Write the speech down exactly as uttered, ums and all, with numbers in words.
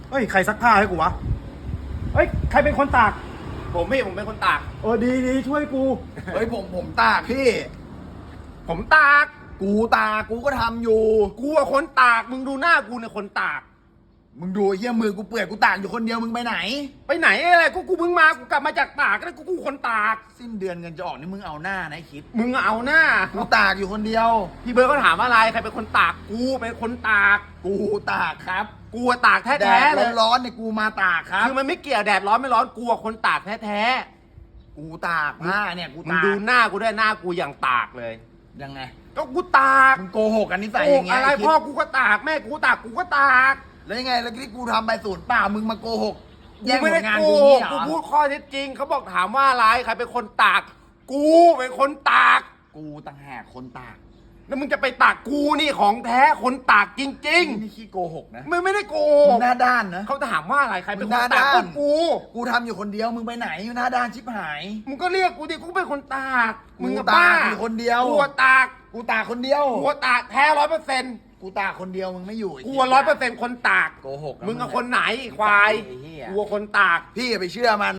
เฮ้ยใครซักผ้าให้กูวะเฮ้ยใครเป็นคนตากผมพี่ผมเป็นคนตากเออดีดีช่วยกูเฮ้ยผมผมตากพี่ผมตากกูตากกูก็ทำอยู่กูอะคนตากมึงดูหน้ากูเนี่ยคนตากมึงดูไอ้เหี้ยมือกูเปื่อยกูตากอยู่คนเดียวมึงไปไหนไปไหนอะไรกูกูเพิ่งมากูกลับมาจากตากแล้วกูกูคนตากสิ้นเดือนเงินจะออกนี่มึงเอาหน้านะไอ้คิดมึงเอาหน้ากูตากอยู่คนเดียวพี่เบิร์ดเขาถามว่าอะไรใครเป็นคนตากกูเป็นคนตากกูตากครับกูอะตากแดแท้ดๆเลยร้อนๆเนี่ยกูมาตากครับคือมันไม่เกี่ยวแดดร้อนไม่ร้อนกูอะคนตากแท้กูตากผ้าเนี่ยกูๆมึงตากดูหน้ากูด้วยหน้ากูอย่างตากเลยยังไงก็กูตากมึงโกหกกันนิสัยโอ้อย่างเงี้ยอะไรไคิดพ่อกูก็ตากแม่กูก็ตากกูก็ตากแล้วยังไงแล้วที่กูทำไปศูนย์เปล่ามึงมาโกหกกูแย่งผไม่ลได้งานโกกูหนี่กเหรกูอพูดข้อเท็จจริงเขาบอกถามว่าอะไรใครเป็นคนตาก กูเป็นคนตากกูต่างหากคนตากแล้วมึงจะไปตากกูนี่ของแท้คนตากจริงนี่นี่ขี้โกหกนะๆไม่ไม่ได้โกมึหงกหน้าด้านนะเขาถามว่าอะไรใครเป็นมึคงนหน้าตากด้านก็กูกูทำอยู่คนเดียวมึงไปไหนอยู่หน้าด้านชิบหายมึงก็เรียกกูดิกูเป็นคนตากมึงกับกูป้าตากอยู่คนเดียวกูอะตากกูตากคนเดียวกูอะตากแท้ร้อยเปอร์เซ็นต์กูตากคนเดียวมึงไม่อยู่ไกูร้อยเปอร์เซ็นต์คนตากโกหกนะมึงกับคนไหนควายไอ้เหี้ยกูอะคนตากพี่อย่าไปเชื่อมัน